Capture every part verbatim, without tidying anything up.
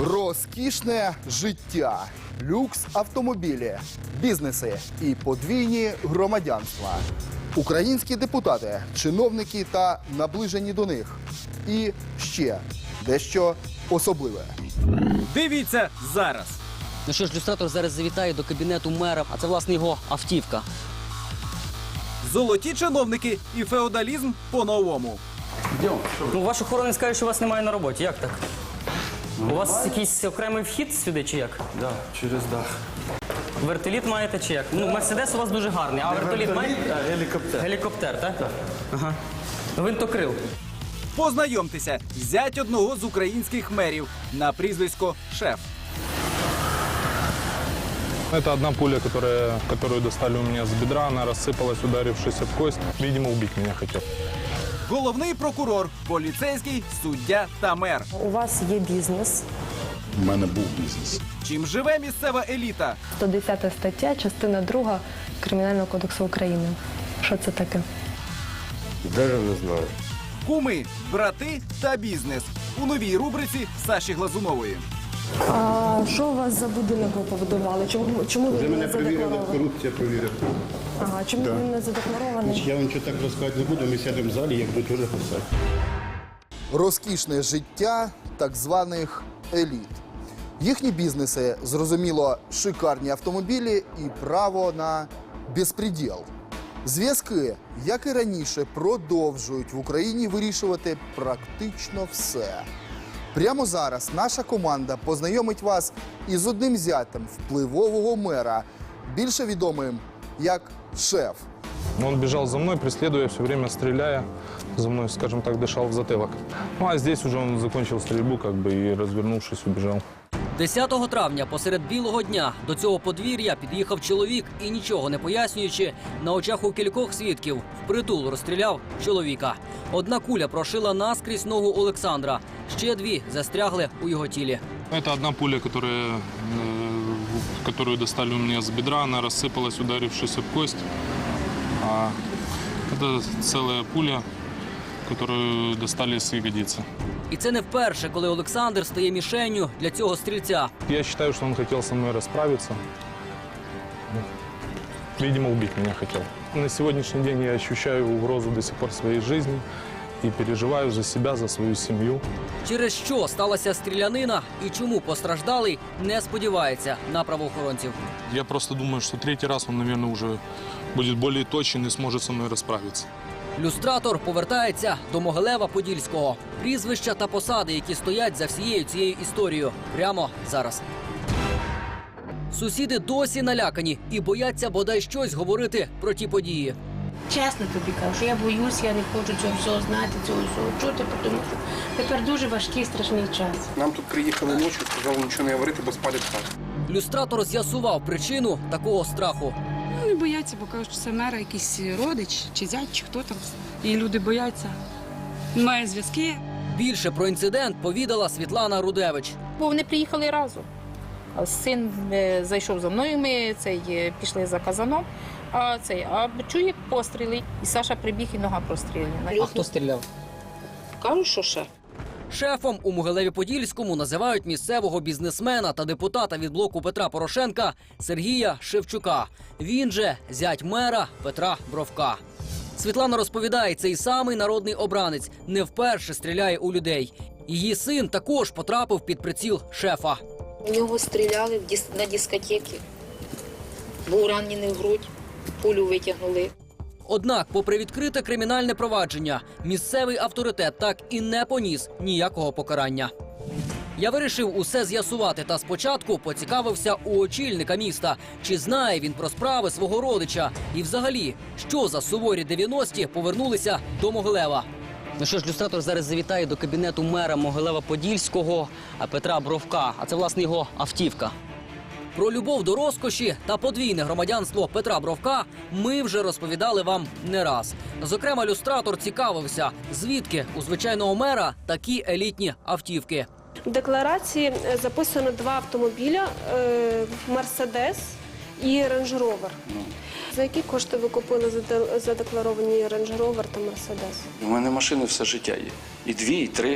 Розкішне життя, люкс автомобілі, бізнеси і подвійні громадянства. Українські депутати, чиновники та наближені до них. І ще дещо особливе. Дивіться зараз. Ну що ж, люстратор зараз завітає до кабінету мера, а це, власне, його автівка. Золоті чиновники і феодалізм по-новому. Ну, ваш охоронець каже, що вас немає на роботі. Як так? У вас якийсь окремий вхід сюди чи як? Да, через дах. Вертоліт маєте чи як? Ну, Мерседес у вас дуже гарний, а вертоліт маєте? А, гелікоптер. Гелікоптер, так? Так. Ага. Винтокрил. Познайомтеся, зять одного з українських мерів на прізвисько Шеф. Это одна пуля, которая, которую достали у меня с бедра. Она рассыпалась, ударившись об кость. Видимо, убить меня хотел. Головний прокурор, поліцейський, суддя та мер. У вас є бізнес. У мене був бізнес. Чим живе місцева еліта? сто десята стаття, частина друга Кримінального кодексу України. Що це таке? Даже не знаю. Куми, брати та бізнес. У новій рубриці Саші Глазунової. А що у вас за будинок ви побудували? Чому, чому Вже він мене не перевірили, задекларований? корупція перевірила. Ага, чому Да. він не задекларований? Я вам нічого так розказати не буду, ми сядемо в залі, як будуть вже писати. Розкішне життя так званих еліт. Їхні бізнеси, зрозуміло, шикарні автомобілі і право на безпреділ. Зв'язки, як і раніше, продовжують в Україні вирішувати практично все. Прямо зараз наша команда познайомить вас із одним зятем впливового мера, більше відомим як Шеф. Он бежал за мной, преследуя, все время стреляя. За мной, скажем так, дышал в затылок. Ну, а здесь уже он закончил стрельбу, как бы, и, развернувшись, убежал. десятого травня посеред білого дня до цього подвір'я під'їхав чоловік і, нічого не пояснюючи, на очах у кількох свідків впритул розстріляв чоловіка. Одна куля прошила наскрізь ногу Олександра, ще дві застрягли у його тілі. Это одна пуля, которая, э, которую достали у меня с бедра. Она рассыпалась, ударившись об кость. А это целая пуля, которую достали с ягодицы. І це не вперше, коли Олександр стає мішенню для цього стрільця. Я считаю, что он хотел со мной расправиться. Видимо, убить меня хотел. На сегодняшний день я ощущаю угрозу до сих пор в своей жизни и переживаю за себя, за свою семью. Через що сталася стрілянина і чому постраждалий не сподівається на правоохоронців. Я просто думаю, что третий раз он, наверное, уже будет более точен и сможет со мной расправиться. Люстратор повертається до Могилева-Подільського. Прізвища та посади, які стоять за всією цією історією. Прямо зараз. Сусіди досі налякані і бояться бодай щось говорити про ті події. Чесно тобі кажу, що я боюсь, я не хочу цього всього знати, цього всього чути, тому що тепер дуже важкий, страшний час. Нам тут приїхали ночі, сказали нічого не говорити, бо спалять хату. Люстратор з'ясував причину такого страху. Вони бояться, бо кажуть, що це мера якийсь родич, чи зять, чи хто там. І люди бояться. Немає зв'язки. Більше про інцидент повідала Світлана Рудевич. Бо вони приїхали разом. А син е, зайшов за мною, ми цей, е, пішли за казаном, а, цей, а чує постріли. І Саша прибіг, і нога прострілена. А хто стріляв? Кажуть, що шеф. Шефом у Могилеві-Подільському називають місцевого бізнесмена та депутата від блоку Петра Порошенка Сергія Шевчука. Він же зять мера Петра Бровка. Світлана розповідає, цей самий народний обранець не вперше стріляє у людей. Її син також потрапив під приціл шефа. У нього стріляли в дис... на дискотеці. Був ранений в грудь, пулю витягнули. Однак, попри відкрите кримінальне провадження, місцевий авторитет так і не поніс ніякого покарання. Я вирішив усе з'ясувати та спочатку поцікавився у очільника міста, чи знає він про справи свого родича і взагалі, що за суворі дев'яності повернулися до Могилева. Ну що ж, люстратор зараз завітає до кабінету мера Могилева-Подільського Петра Бровка, а це, власне, його автівка. Про любов до розкоші та подвійне громадянство Петра Бровка ми вже розповідали вам не раз. Зокрема, люстратор цікавився, звідки у звичайного мера такі елітні автівки. В декларації записано два автомобіля – «Мерседес» і «Рендж Ровер». За які кошти ви купили задекларовані «Рендж Ровер» та «Мерседес»? У мене машини все життя є. І дві, і три.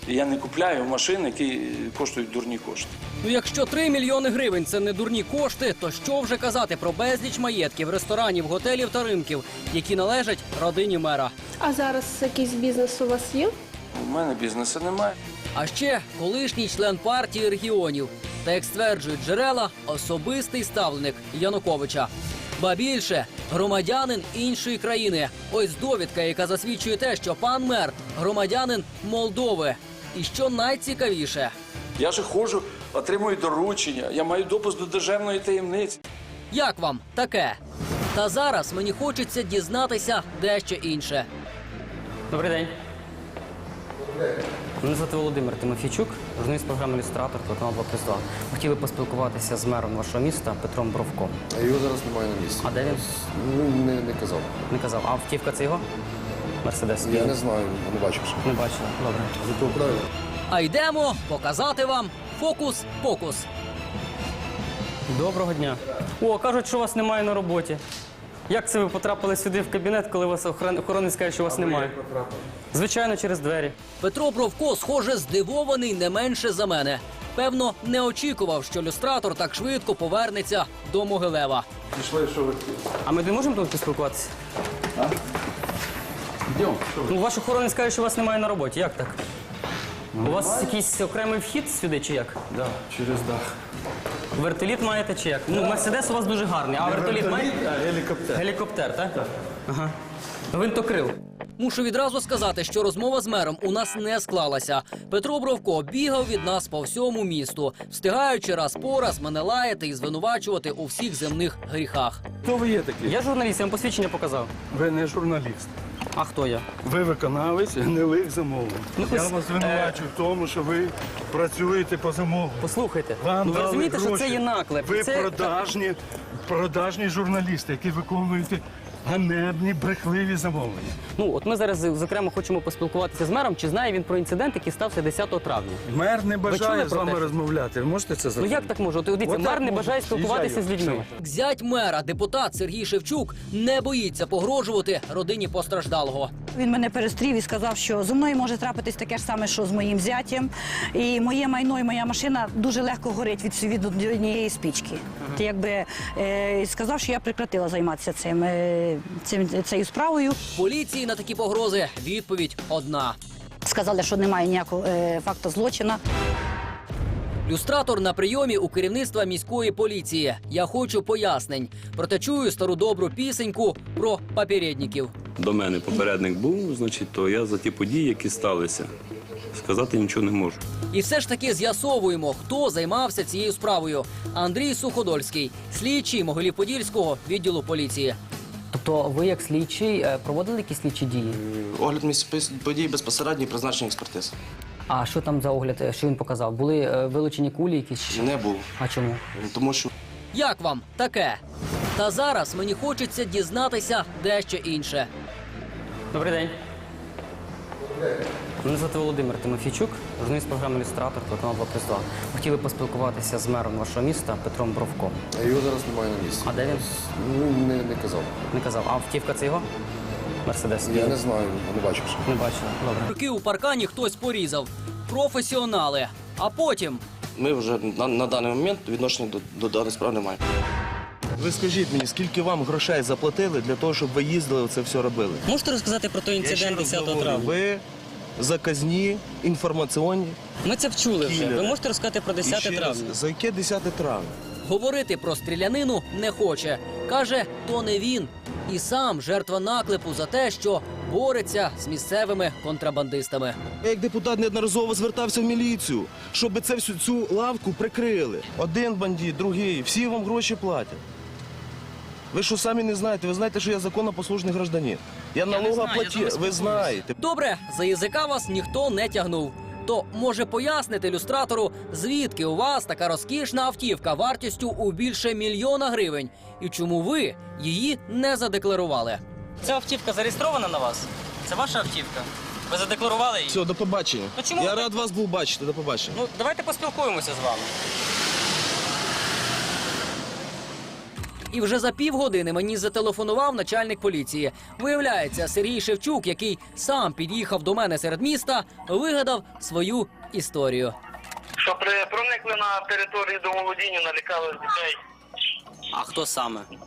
Я не купляю машини, які коштують дурні кошти. Ну, якщо три мільйони гривень – це не дурні кошти, то що вже казати про безліч маєтків, ресторанів, готелів та ринків, які належать родині мера. А зараз якийсь бізнес у вас є? У мене бізнесу немає. А ще колишній член партії регіонів та, як стверджують джерела, особистий ставленик Януковича. Ба більше, громадянин іншої країни. Ось довідка, яка засвідчує те, що пан мер – громадянин Молдови. І що найцікавіше – Я же ходжу, отримую доручення, я маю допуск до державної таємниці. як вам таке? Та зараз мені хочеться дізнатися дещо інше. Добрий день. Мене звати Володимир Тимофійчук, журналіст програми «Ілюстратор», телеканал два плюс два. Хотіли поспілкуватися з мером вашого міста Петром Бровком. А його зараз немає на місці. А де він? Ну, не, не казав. Не казав. А автівка це його? Мерседес? Я не знаю, не бачив ще. Не бачила. Добре. Зато правильно. А йдемо показати вам фокус-покус. Доброго дня. О, кажуть, що вас немає на роботі. Як це ви потрапили сюди в кабінет, коли вас охорон- охоронець каже, що вас немає? Звичайно, через двері. Петро Бровко, схоже, здивований не менше за мене. Певно, не очікував, що люстратор так швидко повернеться до Могилева. Пішли, що ви А ми не можемо тут поспілкуватися? Йдемо. Ну, ваш охоронець каже, що вас немає на роботі. Як так? У вас якийсь окремий вхід сюди чи як? Да, через дах. Вертоліт маєте чи як? Ну, Мерседес у вас дуже гарний, а вертоліт маєте? А гелікоптер. Гелікоптер, так? Так. Ага. Винтокрил. Мушу відразу сказати, що розмова з мером у нас не склалася. Петро Бровко бігав від нас по всьому місту, встигаючи раз по раз мене лаяти і звинувачувати у всіх земних гріхах. Хто ви є такий? Я журналіст, я вам посвідчення показав. Ви не журналіст. А хто я? Ви виконавець гнилих замовлень. Ну, Я пос- вас звинувачу в тому, що ви працюєте по замовленню. Послухайте, Вам ну ви дали розумієте, що гроші. це є наклеп. Ви це... продажні, продажні журналісти, які виконуєте ганебні, брехливі замовлення. Ну, от ми зараз, зокрема, хочемо поспілкуватися з мером, чи знає він про інцидент, який стався десятого травня. Мер не чули бажає про з вами те? розмовляти. Ви можете це Ну зробити? як так може? От дивіться, Отак мер не може. бажає спілкуватися з Їжджаю. людьми. Зять мера, депутат Сергій Шевчук, не боїться погрожувати родині постраждалого. Він мене перестрів і сказав, що зі мною може трапитись таке ж саме, що з моїм зятєм. І моє майно і моя машина дуже легко горить від, від однієї спічки. Ага. Якби е, сказав, що я прекратила займатися цим, е, цим цією справою. Поліції на такі погрози відповідь одна. Сказали, що немає ніякого е, факту злочину. Люстратор на прийомі у керівництва міської поліції. Я хочу пояснень. Проте чую стару добру пісеньку про попередників. До мене попередник був, значить, то я за ті події, які сталися, сказати нічого не можу. І все ж таки з'ясовуємо, хто займався цією справою. Андрій Суходольський, слідчий Могилів-Подільського відділу поліції. Тобто ви, як слідчий, е, проводили якісь слідчі дії? Огляд місць подій безпосередньо і призначення експертиз. А що там за огляд, е, що він показав? Були е, вилучені кулі якісь? Не було. А чому? Тому що Як вам таке? Та зараз мені хочеться дізнатися дещо інше. Добрий день. Мене звати Володимир Тимофійчук, журналіст програми «Ілюстратор», телеканал два плюс два. Хотіли поспілкуватися з мером вашого міста Петром Бровком. А його зараз немає на місці. А де він? Ну, не, не казав. Не казав. А автівка це його? Мерседес? Я не знаю, не бачив ще. Не бачила. Добре. Руки у паркані хтось порізав. Професіонали. А потім ми вже на, на даний момент відношення до, до даної справи не маємо. Ви скажіть мені, скільки вам грошей заплатили для того, щоб ви їздили, це все робили? Можете розказати про той інцидент десятого травня? Ви заказні, інформаційні. Ми це вчули вже. кілери. Ви можете розказати про десяте І ще раз, травня? За яке десяте травня? говорити про стрілянину не хоче. Каже, то не він. І сам жертва наклепу за те, що бореться з місцевими контрабандистами. Я як депутат неодноразово звертався в міліцію, щоб це всю цю лавку прикрили. Один бандит, другий, всі вам гроші платять. Ви що самі не знаєте? Ви знаєте, що я законопослушний гражданин. Я налогоплатив, ви знаєте. Добре, за язика вас ніхто не тягнув. То може пояснити люстратору, звідки у вас така розкішна автівка вартістю у більше мільйона гривень? І чому ви її не задекларували? Ця автівка зареєстрована на вас? Це ваша автівка? Ви задекларували її? Все, до побачення. Ну, чому я ви- рад вас був бачити, до побачення. Ну, давайте поспілкуємося з вами. І вже за півгодини мені зателефонував начальник поліції. Виявляється, Сергій Шевчук, який сам під'їхав до мене серед міста, вигадав свою історію. Що при проникли на територію домоволодіння, налякали дітей. А хто саме? Ну,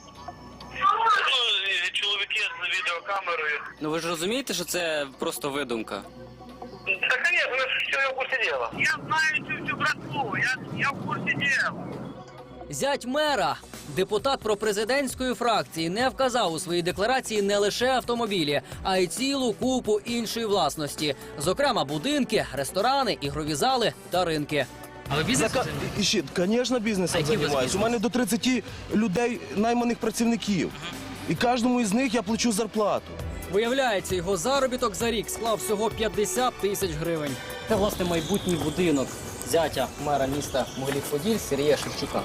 і чоловіки з відеокамерою. Ну ви ж розумієте, що це просто видумка? Та, звісно, ви ж все в курсі діла. Я знаю цю всю братву, я, я в курсі діла. Зять мера, депутат пропрезидентської фракції, не вказав у своїй декларації не лише автомобілі, а й цілу купу іншої власності. Зокрема, будинки, ресторани, ігрові зали та ринки. Але бізнес? Зака... І ще, звісно, бізнесом займаюся. У мене до тридцяти людей найманих працівників. І кожному із них я плачу зарплату. Виявляється, його заробіток за рік склав всього п'ятдесят тисяч гривень. Це, власне, майбутній будинок зятя мера міста Могилів-Поділь Сергія Шевчука.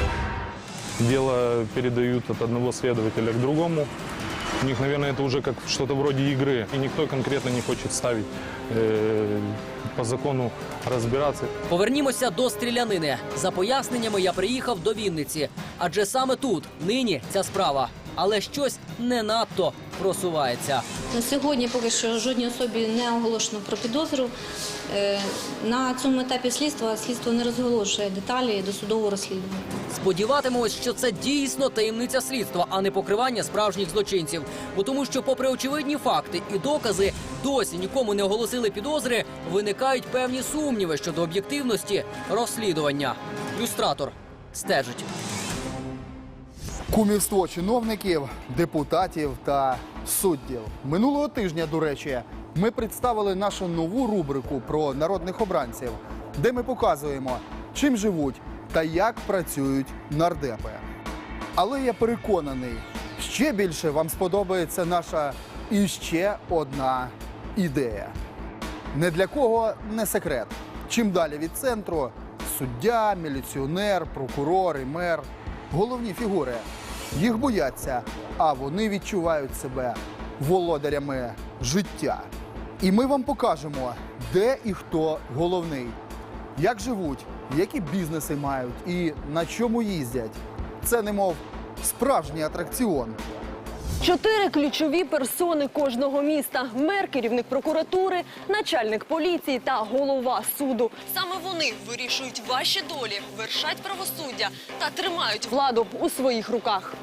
Дело передают от одного следователя к другому. У них, наверное, это уже как что-то вроде игры. И никто конкретно не хочет ставить э, по закону разбираться. Повернімося до стрілянини. За поясненнями я приїхав до Вінниці. Адже саме тут нині ця справа. Але щось не надто просувається. На сьогодні поки що жодній особі не оголошено про підозру. Е, На цьому етапі слідства слідство не розголошує деталі досудового розслідування. Сподіватимемось, що це дійсно таємниця слідства, а не покривання справжніх злочинців. Бо тому, що попри очевидні факти і докази досі нікому не оголосили підозри, виникають певні сумніви щодо об'єктивності розслідування. Люстратор стежить. Кумівство чиновників, депутатів та суддів. Минулого тижня, до речі, ми представили нашу нову рубрику про народних обранців, де ми показуємо, чим живуть та як працюють нардепи. Але я переконаний, ще більше вам сподобається наша іще одна ідея. Не для кого не секрет. Чим далі від центру – суддя, міліціонер, прокурор і мер – головні фігури. Їх бояться, а вони відчувають себе володарями життя. І ми вам покажемо, де і хто головний, як живуть, які бізнеси мають і на чому їздять. Це немов справжній атракціон. Чотири ключові персони кожного міста – мер, керівник прокуратури, начальник поліції та голова суду. Саме вони вирішують ваші долі, вершать правосуддя та тримають владу у своїх руках.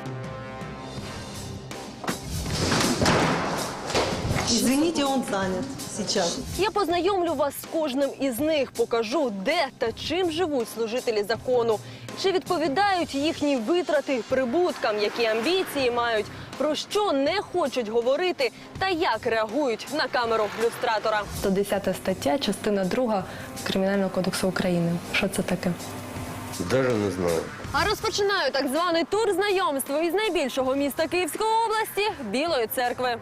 Извините, он занят сейчас. Я познайомлю вас з кожним із них, покажу, де та чим живуть служителі закону. Чи відповідають їхні витрати прибуткам, які амбіції мають, про що не хочуть говорити та як реагують на камеру люстратора. сто десята стаття, частина друга Кримінального кодексу України. Що це таке? Даже не знаю. А розпочинаю так званий тур знайомства із найбільшого міста Київської області – Білої Церкви.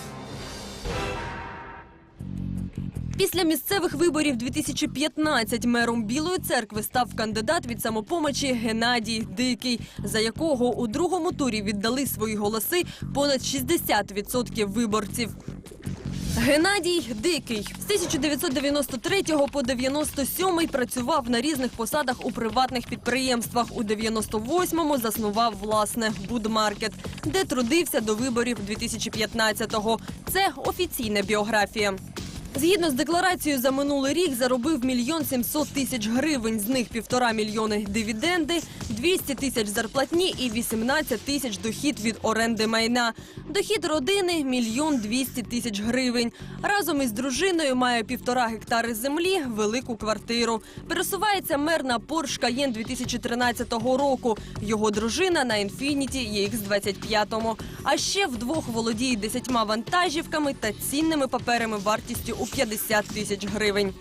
Після місцевих виборів дві тисячі п'ятнадцятого мером Білої Церкви став кандидат від «Самопомочі» Геннадій Дикий, за якого у другому турі віддали свої голоси понад шістдесят відсотків виборців. Геннадій Дикий з тисяча дев'ятсот дев'яносто третього по дев'яносто сьомий працював на різних посадах у приватних підприємствах. У дев'яносто восьмому заснував власне «Будмаркет», де трудився до виборів дві тисячі п'ятнадцятого. Це офіційна біографія. Згідно з декларацією, за минулий рік заробив мільйон сімсот тисяч гривень, з них півтора мільйони дивіденди, двісті тисяч зарплатні і вісімнадцять тисяч дохід від оренди майна. Дохід родини – мільйон двісті тисяч гривень. Разом із дружиною має півтора гектари землі, велику квартиру. Пересувається мер на Porsche Cayenne дві тисячі тринадцятого року. Його дружина на Infiniti і ікс двадцять п'ять. А ще вдвох володіє десятьма вантажівками та цінними паперами вартістю у п'ятдесят тисяч гривень.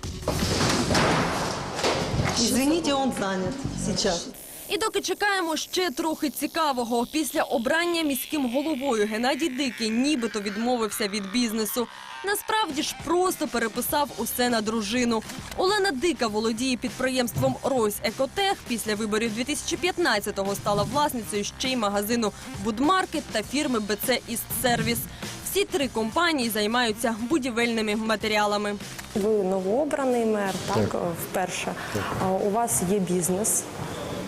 Извините, он занят сейчас. І доки чекаємо ще трохи цікавого. Після обрання міським головою Геннадій Дикий нібито відмовився від бізнесу. Насправді ж просто переписав усе на дружину. Олена Дика володіє підприємством «Ройс Екотех». Після виборів дві тисячі п'ятнадцятого стала власницею ще й магазину «Будмаркет» та фірми «Б Це Істсервіс». Всі три компанії займаються будівельними матеріалами. Ви новообраний мер, так, Так. вперше. А у вас є бізнес.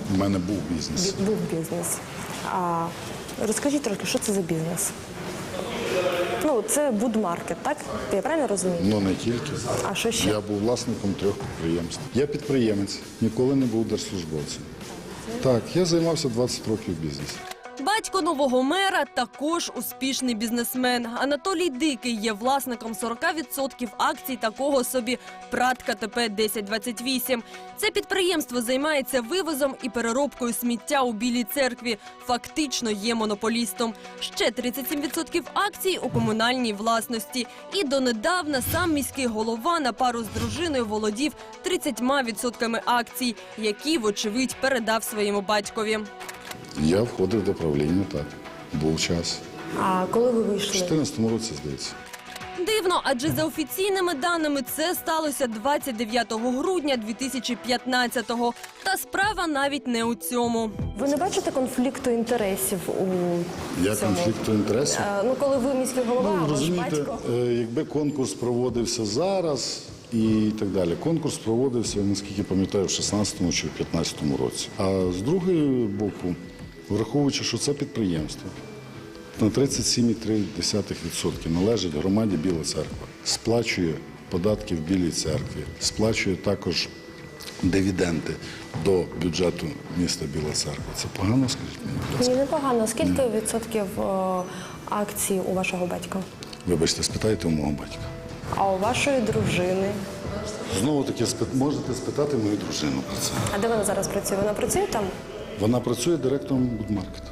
У мене був бізнес. Був бізнес. А розкажіть трохи, що це за бізнес? Ну, це будмаркет, так? Я правильно розумію? Ну, не тільки. А що ще? Я був власником трьох підприємств. Я підприємець, ніколи не був держслужбовцем. Так, я займався двадцять років бізнесом. Батько нового мера також успішний бізнесмен. Анатолій Дикий є власником сорок відсотків акцій такого собі ПрАТ ка те пе десять двадцять вісім. Це підприємство займається вивозом і переробкою сміття у Білій Церкві. Фактично є монополістом. Ще тридцять сім відсотків акцій у комунальній власності. І донедавна сам міський голова на пару з дружиною володів тридцятьма відсотками акцій, які, вочевидь, передав своєму батькові. Я входив до правління, так. Був час. А коли ви У вийшли? чотирнадцятому році, здається. Дивно, адже за офіційними даними це сталося двадцять дев'ятого грудня дві тисячі п'ятнадцятого. Та справа навіть не у цьому. Ви не бачите конфлікту інтересів у Я цьому? конфлікту інтересів. Е, Ну, коли ви міський голова, Ну, а ваш розумієте, батько? е, якби конкурс проводився зараз і так далі. Конкурс проводився, наскільки пам'ятаю, в шістнадцятому чи в п'ятнадцятому році. А з другої боку, враховуючи, що це підприємство на тридцять сім цілих три десятих відсотка належить громаді Біла Церква, сплачує податки в Білій Церкві, сплачує також дивіденди до бюджету міста Біла Церква. Це погано, скажіть мені, будь ласка? Ні, непогано. Скільки відсотків е, акцій у вашого батька? Вибачте, спитайте у мого батька. А у вашої дружини? Знову таки, спит- можете спитати мою дружину про це. А де вона зараз працює? Вона працює там? Вона працює директором будмаркету.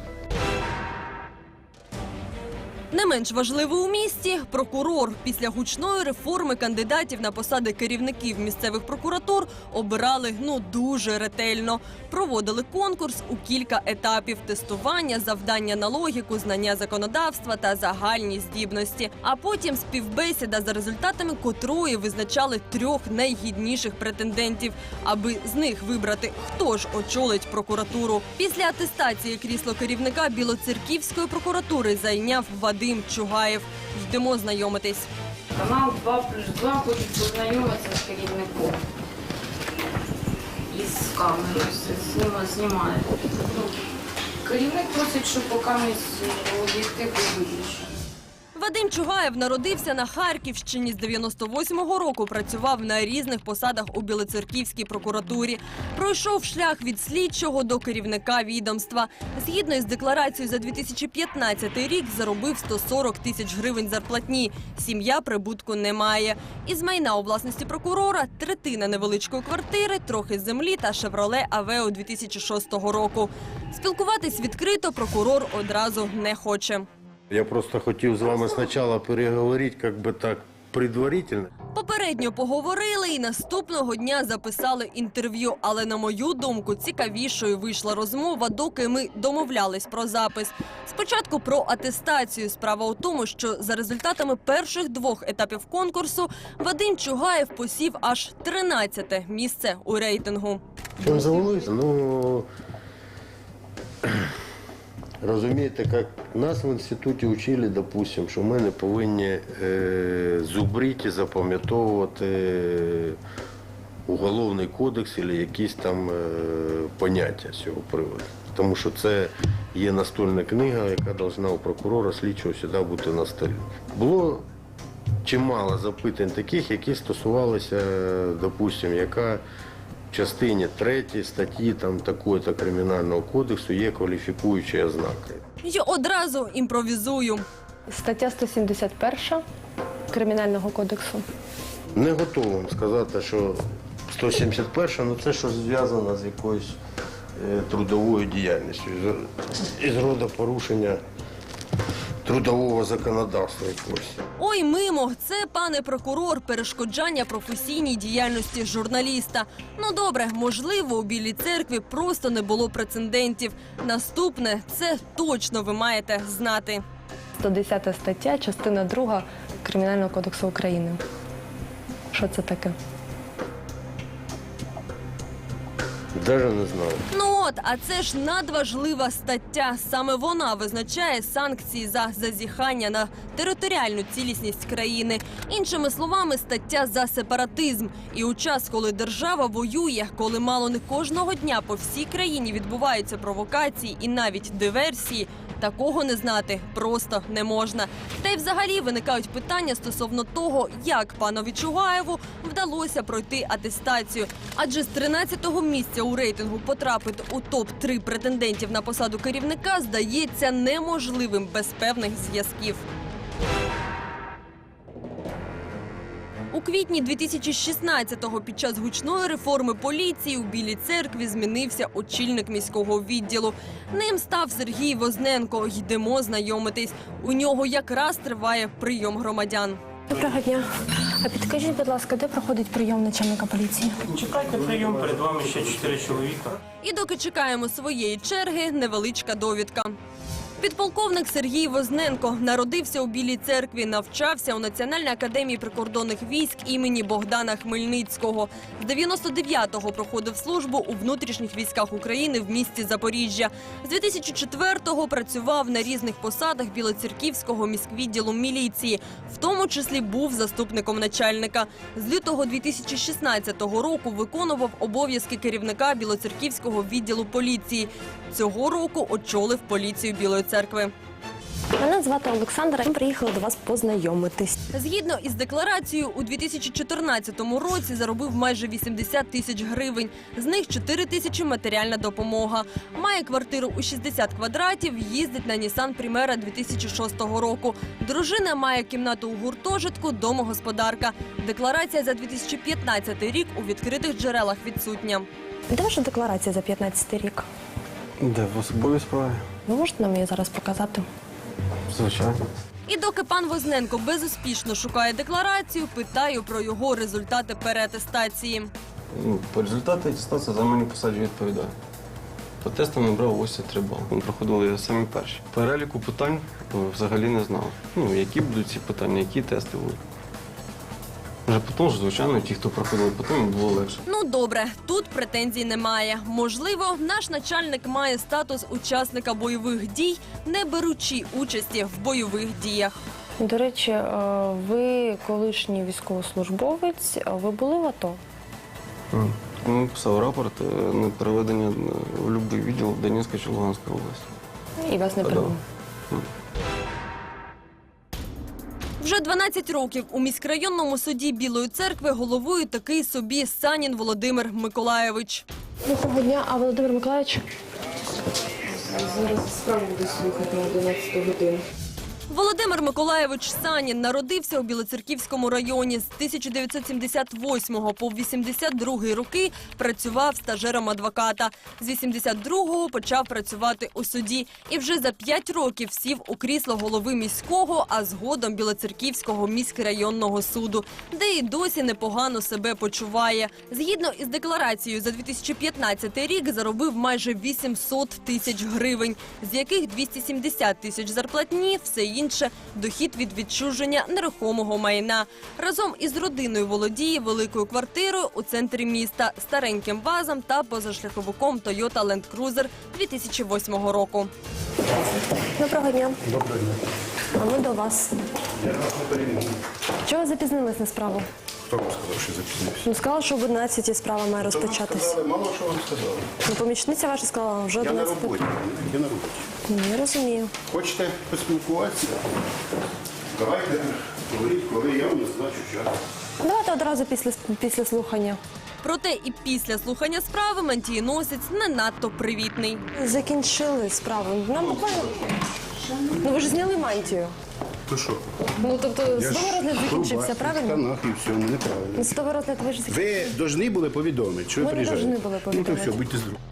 Не менш важливо у місті – прокурор. Після гучної реформи кандидатів на посади керівників місцевих прокуратур обирали, ну, дуже ретельно. Проводили конкурс у кілька етапів – тестування, завдання на логіку, знання законодавства та загальні здібності. А потім співбесіда, за результатами котрої визначали трьох найгідніших претендентів, аби з них вибрати, хто ж очолить прокуратуру. Після атестації крісло керівника Білоцерківської прокуратури зайняв Вадим Чугаєв. Йдемо знайомитись. Канал два плюс два хочуть познайомитися з керівником. Із камерою зніма- знімає. Ну, керівник просить, щоб поки ми з об'єктиву виключили. Вадим Чугаєв народився на Харківщині. З дев'яносто восьмого року працював на різних посадах у Білоцерківській прокуратурі. Пройшов шлях від слідчого до керівника відомства. Згідно із декларацією за дві тисячі п'ятнадцятий рік заробив сто сорок тисяч гривень зарплатні. Сім'я прибутку не має. Із майна у власності прокурора – третина невеличкої квартири, трохи землі та «Шевроле Авео» дві тисячі шостого року. Спілкуватись відкрито прокурор одразу не хоче. Я просто хотів з вами спочатку переговорити, як би так, предварительно. Попередньо поговорили і наступного дня записали інтерв'ю. Але, на мою думку, цікавішою вийшла розмова, доки ми домовлялись про запис. Спочатку про атестацію. Справа у тому, що за результатами перших двох етапів конкурсу Вадим Чугаєв посів аж тринадцяте місце у рейтингу. Чим завелися? Ну, розумієте, як нас в інституті вчили, допустим, що ми не повинні е, зубрити, запам'ятовувати е, уголовний кодекс або якісь там е, поняття з цього приводу. Тому що це є настольна книга, яка повинна у прокурора слідчого завжди бути на столі. Було чимало запитань таких, які стосувалися, допустим, яка в частині третій статті там такої-то кримінального кодексу є кваліфікуючі ознаки. І одразу імпровізую. Стаття сто сімдесят перша Кримінального кодексу. Не готовий вам сказати, що сто сімдесят перша, ну це що зв'язано з якоюсь е, трудовою діяльністю, із, із роду порушення трудового законодавства якогось. Ой, мимо, це, пане прокурор, перешкоджання професійній діяльності журналіста. Ну добре, можливо, у Білій Церкві просто не було прецедентів. Наступне, це точно ви маєте знати. сто десята стаття, частина друга Кримінального кодексу України. Що це таке? Навіть не знаю. Ну от, а це ж надважлива стаття. Саме вона визначає санкції за зазіхання на територіальну цілісність країни. Іншими словами, стаття за сепаратизм. І у час, коли держава воює, коли мало не кожного дня по всій країні відбуваються провокації і навіть диверсії, такого не знати просто не можна. Та й взагалі виникають питання стосовно того, як панові Чугаєву вдалося пройти атестацію. Адже з тринадцятого місця у рейтингу потрапити у топ три претендентів на посаду керівника здається неможливим без певних зв'язків. У квітні дві тисячі шістнадцятого під час гучної реформи поліції у Білій Церкві змінився очільник міського відділу. Ним став Сергій Возненко. Йдемо знайомитись. У нього якраз триває прийом громадян. Доброго дня. А підкажіть, будь ласка, де проходить прийом начальника поліції? Чекайте прийом, перед вами ще чотири чоловіка. І доки чекаємо своєї черги, невеличка довідка. Підполковник Сергій Возненко народився у Білій Церкві, навчався у Національній академії прикордонних військ імені Богдана Хмельницького. З дев'яносто дев'ятого проходив службу у внутрішніх військах України в місті Запоріжжя. З дві тисячі четвертого працював на різних посадах Білоцерківського міськвідділу міліції, в тому числі був заступником начальника. З лютого дві тисячі шістнадцятого року виконував обов'язки керівника Білоцерківського відділу поліції. Цього року очолив поліцію Білої Церкви. Мене звати Олександра. Ми приїхали до вас познайомитись. Згідно із декларацією, у дві тисячі чотирнадцятому році заробив майже вісімдесят тисяч гривень. З них чотири тисячі – матеріальна допомога. Має квартиру у шістдесят квадратів, їздить на Нісан Примера дві тисячі шостого року. Дружина має кімнату у гуртожитку, домогосподарка. Декларація за дві тисячі п'ятнадцятий рік у відкритих джерелах відсутня. Де ваша декларація за п'ятнадцятий рік? Де, в особовій справі? Ви можете нам її зараз показати? Звичайно. І доки пан Возненко безуспішно шукає декларацію, питаю про його результати переатестації. Ну, по результату атестації за мене посаді відповідає. По тестам набрав вісімдесят три бали. Ми проходили самі перші. Переліку питань взагалі не знав. Ну, які будуть ці питання, які тести будуть. Вже потім, звичайно, ті, хто проходили потім, було легше. Ну добре, тут претензій немає. Можливо, наш начальник має статус учасника бойових дій, не беручи участі в бойових діях. До речі, ви колишній військовослужбовець, ви були в АТО? Ми писав рапорт на переведення в будь-який відділ в Донецька чи Луганська область. І вас не прийняли? Вже дванадцять років у міськрайонному суді Білої Церкви головує такий собі Санін Володимир Миколайович. Доброго дня, а Володимир Миколайович? Зараз справу буду слухати на одинадцяту годину. Володимир Миколайович Санін народився у Білоцерківському районі. З тисяча дев'ятсот сімдесят восьмого по вісімдесят другий роки працював стажером адвоката. З вісімдесят другого почав працювати у суді. І вже за п'ять років сів у крісло голови міського, а згодом Білоцерківського міськрайонного суду, де і досі непогано себе почуває. Згідно із декларацією, за дві тисячі п'ятнадцятий рік заробив майже вісімсот тисяч гривень, з яких двісті сімдесят тисяч зарплатні, все інше – дохід від відчуження нерухомого майна. Разом із родиною володіє великою квартирою у центрі міста, стареньким вазом та позашляховиком Toyota Land Cruiser дві тисячі восьмого року. Доброго дня. Доброго дня. А ми до вас. Я вас не перейму. Чого ви запізнились на справу? Хто вам сказав, що запізнився? Ну, сказала, що об одинадцятій справа має розпочатись. Мало що вам сказали. Ну, помічниця ваша сказала, вже Я на одинадцята. роботі. Я на роботі. Ну, я розумію. Хочете поспілкуватися? Давайте говоріть, коли я вам назначу час. Давайте одразу після, після слухання. Проте і після слухання справи мантієносець не надто привітний. Закінчили справу. Нам буквально... Ну, ви ж зняли мантію. То що? Ну, тобто, Я ж судовий розгляд закінчився, в правильно? штанах і все, ну неправильно. Ну, судовий розгляд ви ж закінчили. Ви повинні були повідомити, що ви Ми не приїжджаєте. повинні були Ну то повідомити. все, будьте здорові.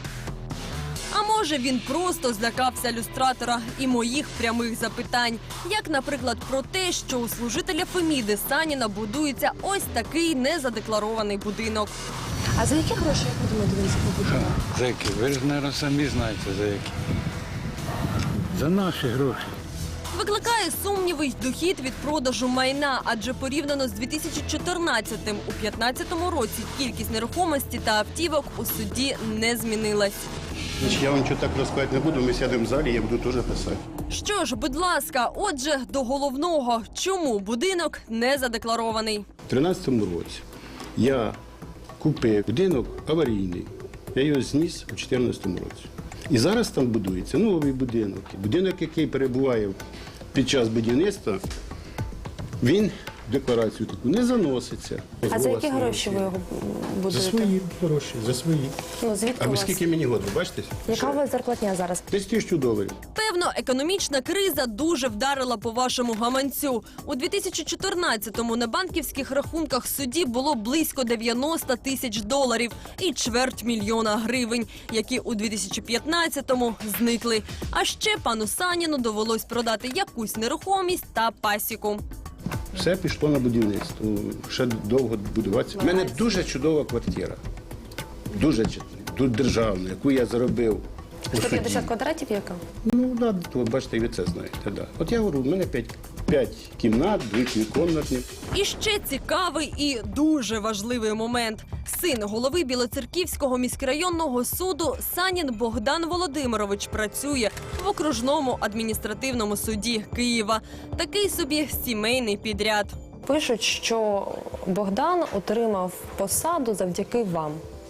А може він просто злякався люстратора і моїх прямих запитань. Як, наприклад, про те, що у служителя Феміди Саніна будується ось такий незадекларований будинок. А за які гроші, як ви думаєте, він побудував? За які? Ви ж, мабуть, самі знаєте, за які. За наші гроші. Викликає сумніви й дохід від продажу майна, адже порівняно з дві тисячі чотирнадцятим, у п'ятнадцятому році кількість нерухомості та автівок у суді не змінилась. Значить, я вам нічого так розказати не буду, ми сядемо в залі, я буду теж писати. Що ж, будь ласка, отже, до головного. Чому будинок не задекларований? У дві тисячі тринадцятому році я купив будинок аварійний. Я його зніс у дві тисячі чотирнадцятому році. І зараз там будується новий будинок. Будинок, який перебуває під час будівництва, він в декларацію таку не заноситься. А за які гроші ви його будуєте? За свої гроші, за свої. Ну, звідки А у ви вас? скільки мені років, бачите? Яка у вас зарплатня зараз? Десь тисячу доларів. Певно, економічна криза дуже вдарила по вашому гаманцю. У дві тисячі чотирнадцятому на банківських рахунках судді було близько дев'яносто тисяч доларів і чверть мільйона гривень, які у дві тисячі п'ятнадцятому зникли. А ще пану Саніну довелось продати якусь нерухомість та пасіку. Все пішло на будівництво. Ще довго будуватися. У мене дуже чудова квартира. Дуже чудова. Тут державна, яку я заробив. у сто п'ятдесят суді. квадратів яка? Ну, да, от бачите, і ви це знаєте. Да. От я говорю, у мене п'ять, п'ять кімнат, двохкімнатні. І ще цікавий і дуже важливий момент. Син голови Білоцерківського міськрайонного суду Санін Богдан Володимирович працює в окружному адміністративному суді Києва. Такий собі сімейний підряд. Пишуть, що Богдан отримав посаду завдяки вам.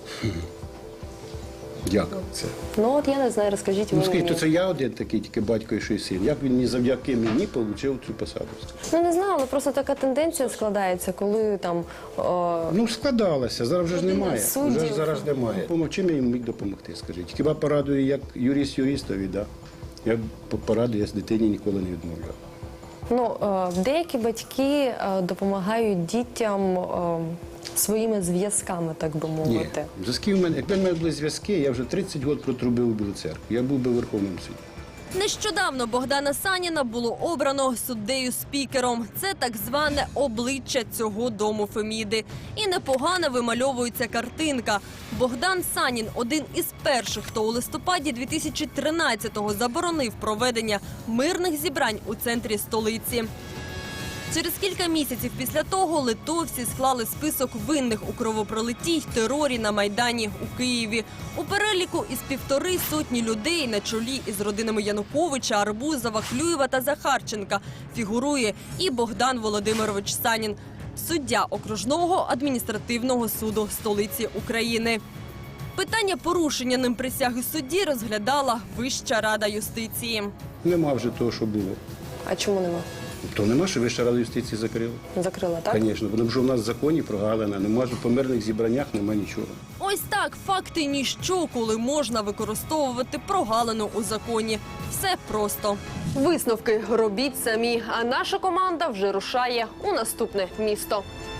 Як це? Ну от я не знаю, розкажіть ви Ну, скажіть, мені. то це я один такий, тільки батько і ще син. Як він мені завдяки мені отримав цю посаду? Ну не знаю, але просто така тенденція складається, коли там... О... Ну, складалося, зараз вже ж немає. Суддів. Вже ж зараз немає. Помог, чим я їм міг допомогти, скажіть? Хіба порадую, як юрист юристові, да? Я порадую, я з дитині ніколи не відмовляв. Ну, е, деякі батьки е, допомагають дітям е, своїми зв'язками, так би Ні, мовити. зв'язки в мене, якби в мене були зв'язки, я вже тридцять років протрубив у Білу церкву. Я був би в Верховному суді. Нещодавно Богдана Саніна було обрано суддею-спікером. Це так зване обличчя цього дому Феміди. І непогано вимальовується картинка. Богдан Санін – один із перших, хто у листопаді дві тисячі тринадцятого заборонив проведення мирних зібрань у центрі столиці. Через кілька місяців після того литовці склали список винних у кровопролитті й терорі на Майдані у Києві. У переліку із півтори сотні людей на чолі із родинами Януковича, Арбузова, Клюєва та Захарченка фігурує і Богдан Володимирович Санін, суддя окружного адміністративного суду столиці України. Питання порушення ним присяги судді розглядала Вища рада юстиції. Нема вже того, що було. А чому нема? То нема, що Вища рада юстиції закрила. Закрила, так? Звісно, тому що в нас в законі прогалина, нема по мирних зібраннях, нема нічого. Ось так, факти ніщо, коли можна використовувати прогалину у законі. Все просто. Висновки робіть самі, а наша команда вже рушає у наступне місто.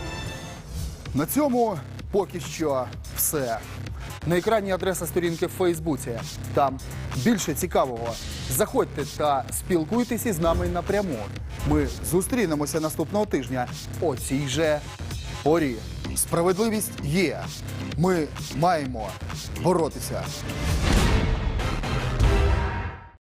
На цьому поки що все. На екрані адреса сторінки в Фейсбуці. Там більше цікавого. Заходьте та спілкуйтеся з нами напряму. Ми зустрінемося наступного тижня о цій же порі. Справедливість є. Ми маємо боротися.